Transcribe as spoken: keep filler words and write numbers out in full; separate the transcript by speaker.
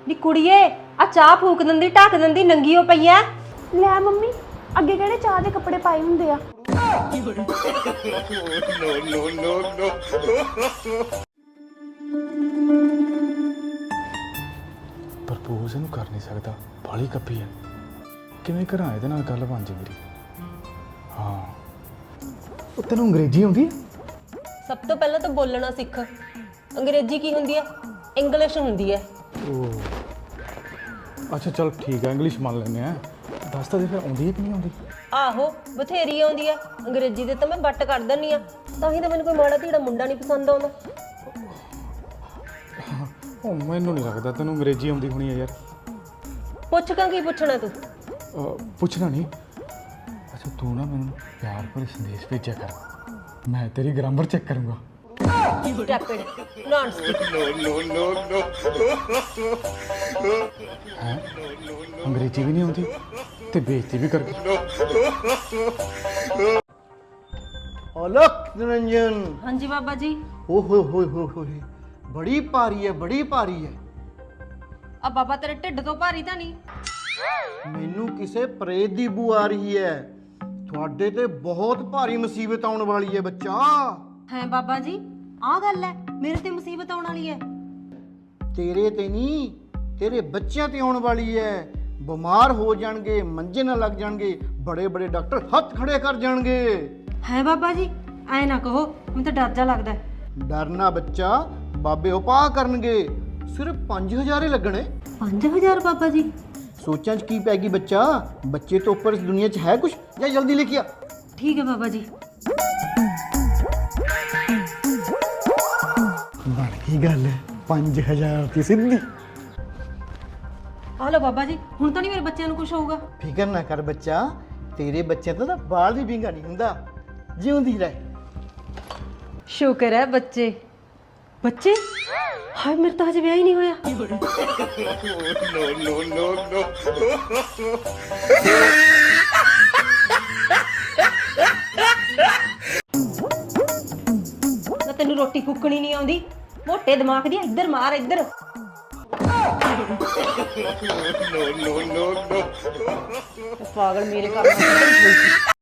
Speaker 1: ਨੀ ਕੁੜੀਏ ਆ ਚਾਹ ਫੂਕ ਦਿੰਦੀ ਢੱਕ ਦਿੰਦੀ ਨੰਗੀ ਹੋ ਪਈ ਐ।
Speaker 2: ਲੈ ਮੰਮੀ ਅੱਗੇ ਕਿਹੜੇ ਚਾਹ ਦੇ ਕੱਪੜੇ ਪਾਏ ਹੁੰਦੇ ਆ।
Speaker 3: ਪ੍ਰਪੋਜ਼ ਇਹਨੂੰ ਕਰ ਨਹੀਂ ਸਕਦਾ, ਬਾਲੀ ਕੱਪੀ ਹੈ। ਕਿਵੇਂ ਕਰਾਂ ਇਹਦੇ ਨਾਲ ਗੱਲ ਬਣ ਜੇ ਮੇਰੀ। ਹਾਂ ਉਹ ਤੈਨੂੰ ਅੰਗਰੇਜ਼ੀ ਆਉਂਦੀ ਹੈ?
Speaker 1: ਸਭ ਤੋਂ ਪਹਿਲਾਂ ਤਾਂ ਬੋਲਣਾ ਸਿੱਖ। ਅੰਗਰੇਜ਼ੀ ਕੀ ਹੁੰਦੀ ਐ? ਇੰਗਲਿਸ਼ ਹੁੰਦੀ ਐ।
Speaker 3: ਉਹ ਅੱਛਾ ਚਲ ਠੀਕ ਹੈ, ਇੰਗਲਿਸ਼ ਮੰਨ ਲੈਂਦੇ ਆ। ਦੱਸ ਤਾਂ ਦੇ ਫਿਰ ਆਉਂਦੀ ਹੈ ਕਿ ਨਹੀਂ ਆਉਂਦੀ?
Speaker 1: ਆਹੋ ਬਥੇਰੀ ਆਉਂਦੀ ਐ। ਅੰਗਰੇਜ਼ੀ ਦੇ ਤਾਂ ਮੈਂ ਬੱਟ ਕਰ ਦਿੰਦੀ ਆ, ਤਾਂ ਹੀ ਤਾਂ ਮੈਨੂੰ ਕੋਈ ਮਾੜਾ ਧੀੜਾ ਮੁੰਡਾ ਨਹੀਂ ਪਸੰਦ ਆਉਂਦਾ।
Speaker 3: ਉਹ ਮੈਨੂੰ ਨਹੀਂ ਲੱਗਦਾ ਤੈਨੂੰ ਅੰਗਰੇਜ਼ੀ ਆਉਂਦੀ ਹੋਣੀ ਹੈ ਯਾਰ।
Speaker 1: ਪੁੱਛ ਕਾਂ ਕੀ ਪੁੱਛਣਾ ਤੂੰ?
Speaker 3: ਅਹ, ਪੁੱਛਣਾ ਨਹੀਂ। ਅੱਛਾ ਤੂੰ ਨਾ ਮੈਨੂੰ ਪਿਆਰ ਭਰੇ ਸੰਦੇਸ਼ ਭੇਜਿਆ ਕਰ, ਮੈਂ ਤੇਰੀ ਗ੍ਰਾਮਰ ਚੈੱਕ ਕਰੂੰਗਾ।
Speaker 1: ਟੈਪਿਡ ਨੌਨਸਟਿਕ।
Speaker 3: ਹੈ ਅੰਗਰੇਜ਼ੀ ਵੀ ਨਹੀਂ ਆਉਂਦੀ ਤੇ ਬੇਇੱਜ਼ਤੀ ਵੀ ਕਰ ਗਈ।
Speaker 4: अलक निरंजन।
Speaker 1: ਹਾਂਜੀ ਬਾਬਾ ਜੀ।
Speaker 4: ओ हो हो हो हो बड़ी भारी है, बड़ी भारी है।
Speaker 1: ਆ ਬਾਬਾ ਤੇਰੇ ਢਿੱਡ ਤੋਂ ਭਾਰੀ ਤਾਂ ਨਹੀਂ?
Speaker 4: ਮੈਨੂੰ ਕਿਸੇ ਪ੍ਰੇਤ ਦੀ ਬੂ ਆ ਰਹੀ ਹੈ। ਤੁਹਾਡੇ ਤੇ ਬਹੁਤ ਭਾਰੀ ਮੁਸੀਬਤ ਆਉਣ ਵਾਲੀ ਹੈ ਬੱਚਾ।
Speaker 1: ਹੈ ਬਾਬਾ ਜੀ ਆਹ ਗੱਲ ਹੈ, ਮੇਰੇ ਤੇ ਮੁਸੀਬਤ ਆਉਣ ਵਾਲੀ ਹੈ।
Speaker 4: ਤੇਰੇ ਤੇ ਨਹੀਂ, ਤੇਰੇ ਬੱਚਿਆਂ ਤੇ ਆਉਣ ਵਾਲੀ ਹੈ। ਬਿਮਾਰ ਹੋ ਜਾਣਗੇ, ਮੰਜੇ ਨਾਲ ਲੱਗ ਜਾਣਗੇ, ਬੜੇ ਬੜੇ ਡਾਕਟਰ ਹੱਥ ਖੜੇ ਕਰ ਜਾਣਗੇ।
Speaker 1: ਹੈ ਬਾਬਾ ਜੀ ਐ ਨਾ ਕਹੋ, ਮੈਨੂੰ ਤਾਂ ਡਰ ਜਾ ਲੱਗਦਾ।
Speaker 4: ਡਰਨਾ ਬੱਚਾ, ਬਾਬੇ ਉਪਾਅ ਕਰਨਗੇ। ਸਿਰਫ ਪੰਜ ਹਜ਼ਾਰ ਹੀ ਲੱਗਣੇ।
Speaker 1: ਪੰਜ ਹਜ਼ਾਰ ਬਾਬਾ ਜੀ?
Speaker 4: ਸੋਚਾਂ 'ਚ ਕੀ ਪੈ ਗਈ ਬੱਚਾ? ਬੱਚੇ ਤੋਂ ਉੱਪਰ ਇਸ ਦੁਨੀਆ 'ਚ ਹੈ ਕੁਛ? ਜਾਂ ਜਲਦੀ ਲੈ ਕੇ ਆ।
Speaker 1: ਠੀਕ ਹੈ ਬਾਬਾ ਜੀ।
Speaker 4: ਬਣ ਗਈ ਗੱਲ, ਪੰਜ ਹਜ਼ਾਰ ਦੀ ਸਿੱਧੀ।
Speaker 1: ਆ ਲਓ ਬਾਬਾ ਜੀ, ਹੁਣ ਤਾਂ ਨਹੀਂ ਮੇਰੇ ਬੱਚਿਆਂ ਨੂੰ ਕੁਝ ਹੋਊਗਾ।
Speaker 4: ਫਿਕਰ ਨਾ ਕਰ ਬੱਚਾ, ਤੇਰੇ ਬੱਚਿਆਂ ਤੋਂ ਤਾਂ ਬਾਲ ਵੀ ਵਿੰਗਾ ਨਹੀਂ ਹੁੰਦਾ। ਜਿਉਂਦੀ ਰਹਿ।
Speaker 1: ਸ਼ੁਕਰ ਹੈ ਬੱਚੇ। ਬੱਚੇ? ਹਾਏ ਮੇਰੇ ਤਾਂ ਹਜੇ ਵਿਆਹ ਹੀ ਨਹੀਂ ਹੋਇਆ। ਨਾ ਤੈਨੂੰ ਰੋਟੀ ਫੁੱਕਣੀ ਨਹੀਂ ਆਉਂਦੀ? ਮੋਟੇ ਦਿਮਾਗ ਦੀ, ਇੱਧਰ ਮਾਰ ਇੱਧਰ। ਪਾਗਲ ਮੇਰੇ ਘਰ